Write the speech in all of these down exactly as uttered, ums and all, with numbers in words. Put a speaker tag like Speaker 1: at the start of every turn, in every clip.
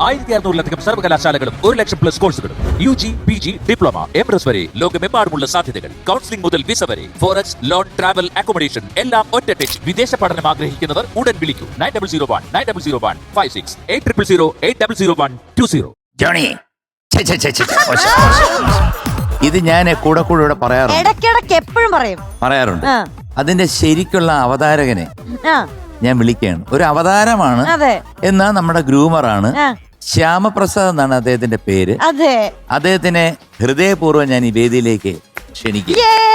Speaker 1: ആയിരത്തി അറുന്നൂറിലധികം സർവകലാശാലകളും ഒരു ലക്ഷം പ്ലസ് കോഴ്സുകളും U G P G diploma M S വരെ ലോകമെമ്പാടുമുള്ള സാധ്യതകൾ. കൗൺസിലിംഗ് മുതൽ വിസ വരെ ഫോറക്സ് ലോൺ ട്രാവൽ അക്കോമഡേഷൻ എല്ലാം ഒറ്റ ടച്ച്. വിദേശ പഠനം ആഗ്രഹിക്കുന്നവർ ഉടൻ വിളിക്കൂ nine double zero one nine double zero one five six eight triple zero eight double zero one two zero.
Speaker 2: Johnny, ഇത് ഞാൻ കൂടെ കൂടെ ഇവിടെ പറയാറുണ്ട്,
Speaker 3: ഇടയ്ക്കിടയ്ക്ക് എപ്പോഴും പറയും
Speaker 2: പറയാറുണ്ട്. അതിന്റെ ശരിക്കുള്ള അവതാരകനെ ഞാൻ വിളിക്കുകയാണ്. ഒരു അവതാരമാണ്, എന്നാ നമ്മുടെ ഗ്രൂമറാണ്. ശ്യാമപ്രസാദ് എന്നാണ് അദ്ദേഹത്തിന്റെ പേര്.
Speaker 3: അതെ,
Speaker 2: അദ്ദേഹത്തിനെ ഹൃദയപൂർവ്വം ഞാൻ ഈ വേദിയിലേക്ക് ക്ഷണിക്കും.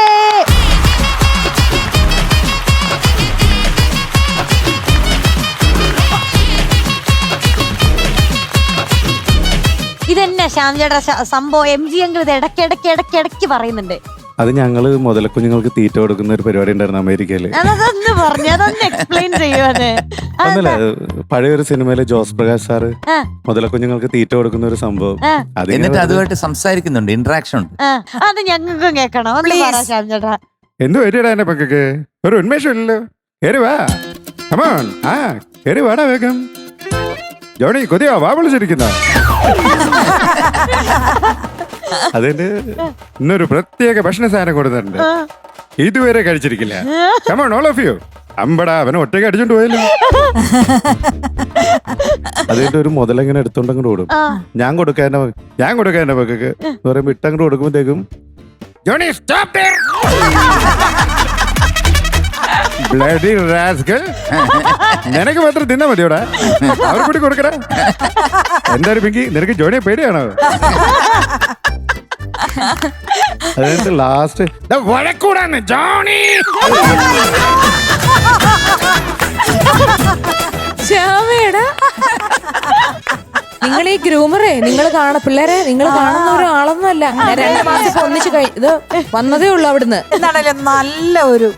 Speaker 3: ഇതെന്നെ ശ്യാംചേട്ടാ സംഭവം. എം ജി അങ്കിൾ ഇത് ഇടയ്ക്ക് ഇടയ്ക്ക് ഇടയ്ക്ക് ഇടയ്ക്ക് പറയുന്നുണ്ട്.
Speaker 4: അത് ഞങ്ങള് മുതലക്കുഞ്ഞുങ്ങൾക്ക് തീറ്റ കൊടുക്കുന്ന ഒരു പരിപാടി ഉണ്ടായിരുന്നു അമേരിക്കയില്.
Speaker 3: അതൊന്ന് പറഞ്ഞു, അതൊന്ന് എക്സ്പ്ലെയിൻ ചെയ്യുവാണ്.
Speaker 4: ഒന്നല്ല, പഴയൊരു സിനിമയില് ജോസ് പ്രകാശ് സാറ് മുതലക്കുഞ്ഞുങ്ങൾക്ക് തീറ്റ കൊടുക്കുന്ന ഒരു സംഭവം.
Speaker 2: എന്നിട്ട് അതുമായിട്ട് സംസാരിക്കുന്നുണ്ട്, ഇന്ററാക്ഷൻ ഉണ്ട്.
Speaker 3: അത് ഞങ്ങൾക്കും കേൾക്കണം. ശ്യാംചേട്ടാ
Speaker 4: എന്ത് വരികടാ എന്റെ പക്കക്ക്? ഒരു ഉന്മേഷം ഇല്ലല്ലോ. കേറി വാ, കമോൺ. ആ കേറി വാടാ വേഗം. ജോണി കൊതിയോ വാ വിളിച്ചിരിക്കുന്ന. അതിന്റെ ഇന്നൊരു പ്രത്യേക ഭക്ഷണ സാധനം കൊടുത്തിട്ടുണ്ട്, ഇതുവരെ കഴിച്ചിരിക്കില്ല. Come on all of you. അമ്പടാ, അവനെ ഒറ്റയ്ക്ക് അടിച്ചോണ്ട് പോയല്ലോ. അതിന്റെ ഒരു മുതലെങ്ങനെ എടുത്തോണ്ടങ്ങോട്ട് ഓടും. ഞാൻ കൊടുക്കാൻ ഞാൻ കൊടുക്കാൻ എന്റെ പക്കക്ക് എന്ന് പറയുമ്പോ ഇട്ടങ്ങോട്ട് കൊടുക്കുമ്പോഴത്തേക്കും ജോണി സ്റ്റോപ്പ് ബ്ലഡി റാസ്കൽ, നിനക്ക് മാത്രം തിന്നാ മതിയോടാ, അവർ കൂടി കൊടുക്കടാ. എന്തായാലും പിങ്കി, നിനക്ക് ജോണിയെ പേടിയാണോ? അതായത് ലാസ്റ്റ് വഴക്കൂടാണ് ജോണി.
Speaker 5: ശ്യാമേടാ, നിങ്ങൾ ഈ ഗ്രൂമറേ, നിങ്ങൾ കാണ പിള്ളേരെ നിങ്ങൾ കാണുന്ന ഒരാളൊന്നുമല്ല. രണ്ടു മാസം ഒന്നിച്ച് കഴി ഇത് വന്നതേ ഉള്ളു അവിടുന്ന്.
Speaker 6: എന്താണേലും നല്ല ഒരു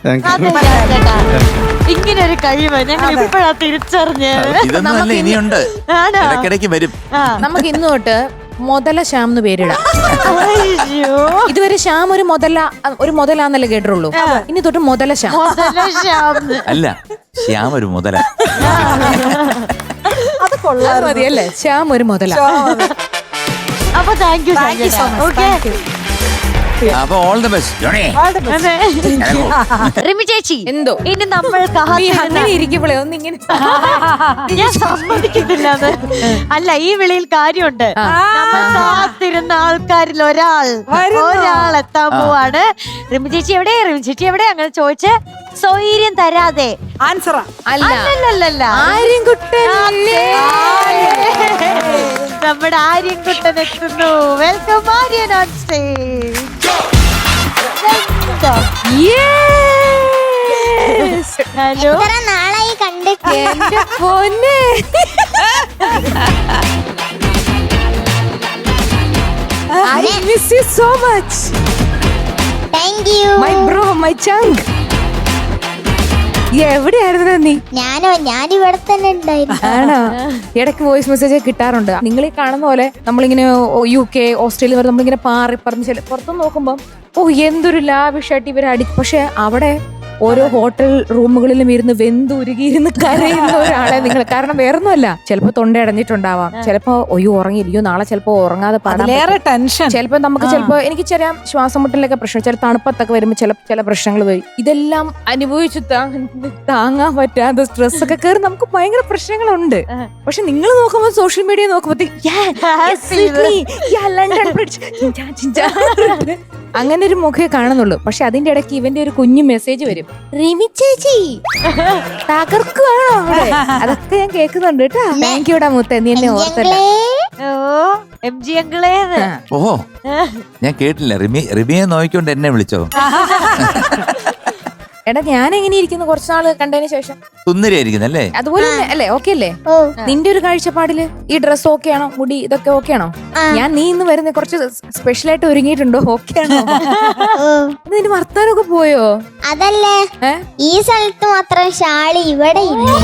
Speaker 3: ഇങ്ങനെ ഒരു കഴിവ് ഞങ്ങൾ ഇപ്പോഴാ തിരിച്ചറിഞ്ഞത്.
Speaker 2: ഇതൊന്നും ഇനിയുണ്ട്, ഇടയ്ക്കിടയ്ക്ക് വരും.
Speaker 5: നമുക്ക് ഇന്ന് തൊട്ട് മുതല ശ്യാം എന്ന് പേരിടാം. ഇതുവരെ ശ്യാം ഒരു മുതല ഒരു മുതലാന്നല്ലേ കേട്ടുള്ളൂ. ഇനി തൊട്ട് മുതല ശ്യാം.
Speaker 2: അല്ല, ശ്യാം ഒരു മുതല.
Speaker 5: അത് കൊള്ളാം, മതിയല്ലേ? ശ്യാം ഒരു മുതല.
Speaker 3: അപ്പൊ താങ്ക് യു ഓക്കെ.
Speaker 2: അപ്പൊ all the best Johnny.
Speaker 3: Rimi ചേച്ചി,
Speaker 5: എന്തോ
Speaker 3: ഇനി നമ്മൾ
Speaker 5: അങ്ങനെ ഇരിക്കുമ്പോഴേ ഒന്നിങ്ങനെ
Speaker 3: ഞാൻ സമ്മതിക്കുന്നില്ല. അത് അല്ല, ഈ വിളിയിൽ കാര്യമുണ്ട്. നമ്മൾ കാത്തിരുന്ന ആൾക്കാരിൽ ഒരാൾ ഒരാൾ എത്താൻ പോവാണ്. റിമി ചേച്ചി എവിടെ, റിമി ചേച്ചി എവിടെ അങ്ങനെ ചോദിച്ച് സൗകര്യം തരാതെ
Speaker 6: ആൻസറാ.
Speaker 3: അല്ലല്ലല്ല,
Speaker 5: ആര്യൻകുട്ടൻ.
Speaker 3: നമ്മുടെ ആര്യൻകുട്ടൻ എത്തുന്നു. Welcome Aryan on stage. Hello,
Speaker 7: നാളായി കണ്ടിട്ട്.
Speaker 5: എന്റെ പൊന്നെ, I miss you so much.
Speaker 7: Thank you.
Speaker 5: My bro, my chunk. എവിടെയായിരുന്നു നീ?
Speaker 7: ഞാനോ ഞാനിവിടെ തന്നെ ഉണ്ടായിരുന്നു.
Speaker 5: ആണോ? ഇടയ്ക്ക് വോയിസ് മെസ്സേജ് കിട്ടാറുണ്ട്. നിങ്ങൾ ഈ കാണുന്ന പോലെ നമ്മളിങ്ങനെ യു കെ ഓസ്ട്രേലിയ വരെ നമ്മളിങ്ങനെ പാറി പറഞ്ഞ് പുറത്തു നോക്കുമ്പോൾ ഓ എന്തൊരു ലാവിഷായിട്ട് ഇവരെ അടി. പക്ഷെ അവിടെ ഓരോ ഹോട്ടൽ റൂമുകളിലും ഇരുന്ന് വെന്തുരുകിയിരുന്ന് കരയുന്ന ഒരാളെ നിങ്ങൾ, കാരണം വേറൊന്നുമല്ല, ചിലപ്പോ തൊണ്ട അടഞ്ഞിട്ടുണ്ടാവാം, ചിലപ്പോ ഒയ്യോ ഉറങ്ങിയിരിക്കും, നാളെ ചിലപ്പോ ഉറങ്ങാതെ പാടാൻ
Speaker 6: ടെൻഷൻ,
Speaker 5: ചിലപ്പോ നമുക്ക് ചിലപ്പോ എനിക്ക് ചെറിയ ശ്വാസം മുട്ടലൊക്കെ പ്രശ്നം, ചില തണുപ്പത്തൊക്കെ വരുമ്പോൾ ചില ചില പ്രശ്നങ്ങൾ വരും. ഇതെല്ലാം അനുഭവിച്ചു താങ്ങാൻ പറ്റാതെ സ്ട്രെസ് ഒക്കെ കയറി നമുക്ക് ഭയങ്കര പ്രശ്നങ്ങളുണ്ട്. പക്ഷെ നിങ്ങൾ നോക്കുമ്പോൾ സോഷ്യൽ മീഡിയ നോക്കുമ്പോഴത്തേക്ക് അങ്ങനെ ഒരു മുഖേ കാണുന്നുള്ളൂ. പക്ഷെ അതിന്റെ ഇടയ്ക്ക് ഇവന്റെ ഒരു കുഞ്ഞു മെസ്സേജ് വരും, റിമി ചേച്ചി തകർക്കുവാണോ അവിടെ? അതൊക്കെ ഞാൻ കേൾക്കുന്നുണ്ട് കേട്ടോ. താങ്ക് യുടാ മുത്ത, നീ എന്നെ ഓർത്തല്ലേ.
Speaker 3: ഓ എം ജി അങ്കിളേ.
Speaker 2: ഓഹോ, ഞാൻ കേട്ടില്ല. റിമി റിമിയെ നോക്കിക്കൊണ്ട് എന്നെ വിളിച്ചോ?
Speaker 5: എടാ, ഞാൻ എങ്ങനെ ഇരിക്കുന്നു കുറച്ചു നാള് കണ്ടതിന് ശേഷം?
Speaker 2: സുന്ദരിയായിരിക്കുന്നല്ലേ?
Speaker 5: അതുപോലെ അല്ലേ? ഓക്കെ അല്ലേ? നിന്റെ ഒരു കാഴ്ചപ്പാടില് ഈ ഡ്രസ് ഓക്കെ ആണോ? മുടി ഇതൊക്കെ ഓക്കെ ആണോ? ഞാൻ നീ ഇന്ന് വരുന്ന കുറച്ച് സ്പെഷ്യൽ ആയിട്ട് ഒരുങ്ങിയിട്ടുണ്ടോ? ഓക്കെ ആണോ? നിന്റെ വർത്താനൊക്കെ പോയോ?
Speaker 7: അതല്ലേ, ഈ സ്ഥലത്ത് മാത്രം ഷാളി, ഇവിടെ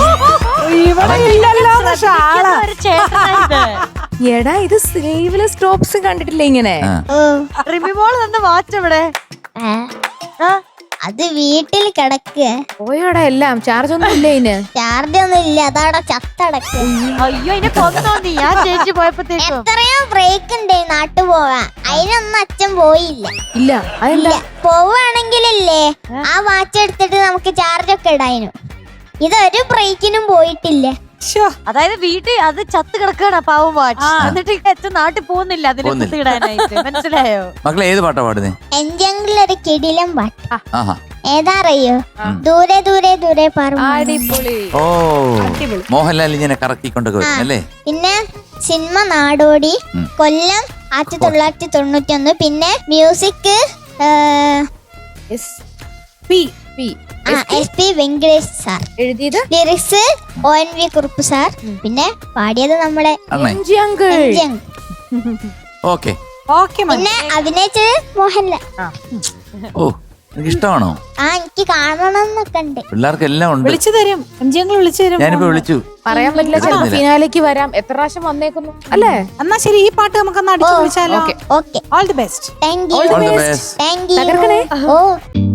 Speaker 5: എടാ, ഇത് സ്ലീവ്ലെസ് ടോപ്സ് കണ്ടിട്ടില്ല ഇങ്ങനെ?
Speaker 3: റിമി മോള് തന്നെ വാച്ച് എവിടെ?
Speaker 7: അത് വീട്ടിൽ കിടക്കുക.
Speaker 5: പോയോടാ എല്ലാം ചാർജ് ഒന്നും ഇല്ല ഇതിന്.
Speaker 7: ചാർജ് ഒന്നും ഇല്ല, അതവിടെ ചത്തടക്കുക.
Speaker 3: അയ്യോ അതിനെ കൊന്നോ നീ? ഞാൻ ചേച്ചി പോയപ്പോഴത്തേക്കും
Speaker 7: എത്രയോ ബ്രേക്ക് ഉണ്ട് നാട്ടു പോവാൻ, അതിനൊന്നും അച്ഛൻ പോയില്ല.
Speaker 5: ഇല്ല അതല്ല
Speaker 7: ഇല്ല, പോവുകയാണെങ്കിലല്ലേ ആ വാച്ച് എടുത്തിട്ട് നമുക്ക് ചാർജ് ഒക്കെ ഇടായിരുന്നു. ഇതൊരു ബ്രേക്കിനും പോയിട്ടില്ല.
Speaker 3: അതായത് വീട്ടിൽ അത് ചത്ത് കിടക്കാണ് പാവം വാച്ച്. എന്നിട്ട് അച്ഛൻ നാട്ടിൽ പോകുന്നില്ല അതിനെ കുത്തിയിടാനായിട്ട്. മനസ്സിലായോ?
Speaker 2: മക്കളെ ഏത് പാട്ടാ പാടുന്നേ?
Speaker 7: എഞ്ചെങ്കിലൊരു കിടിലം പാട്ട്.
Speaker 2: ആഹാ.
Speaker 7: ഏതാ അറിയോ? ദൂരെ ദൂരെ ദൂരെ പറമ്പ്.
Speaker 5: അടിപൊളി.
Speaker 2: ഓ മോഹൻലാൽ ഇങ്ങനെ കറക്കിക്കൊണ്ടൊക്കെ വരും അല്ലേ?
Speaker 7: പിന്നെ സിനിമ നാടോടി, കൊല്ലം ആയിരത്തി തൊള്ളായിരത്തി തൊണ്ണൂറ്റി ഒന്ന്. പിന്നെ music
Speaker 5: S P P
Speaker 7: S P Venkatesh sir.
Speaker 5: എഴുതിയത്
Speaker 7: lyrics O N V Kurup sir. പിന്നെ പാടിയത് നമ്മുടെ
Speaker 2: അണ്ണേ.
Speaker 5: MG uncle.
Speaker 7: M G uncle.
Speaker 2: Okay.
Speaker 6: Okay
Speaker 7: പിന്നെ അഭിനയിച്ചത് മോഹൻലാൽ.
Speaker 2: ഓ എനിക്ക് ഇഷ്ടമാണോ?
Speaker 7: ആ എനിക്ക് കാണണം എന്നൊക്കെ ഉണ്ട്.
Speaker 2: പിള്ളേർക്ക് എല്ലാം ഉണ്ട്.
Speaker 6: വിളിച്ചു തരും, എം ജി ഞങ്ങൾ വിളിച്ചു തരും.
Speaker 2: ഞാനിപ്പോ വിളിച്ചു.
Speaker 5: പറയാൻ പറ്റില്ല, ചിലപ്പോ ഫിനാലേക്ക് വരാം. എത്ര പ്രാവശ്യം വന്നേക്കുന്നു അല്ലേ?
Speaker 6: എന്നാ ശരി, ഈ പാട്ട് നമുക്കൊന്ന് അടിച്ചു വിളിച്ചാലോ?
Speaker 7: Okay,
Speaker 6: all the best.
Speaker 7: Thank you.
Speaker 2: All the best.
Speaker 7: Thank you.
Speaker 5: തകർക്കണേ.
Speaker 7: ഓ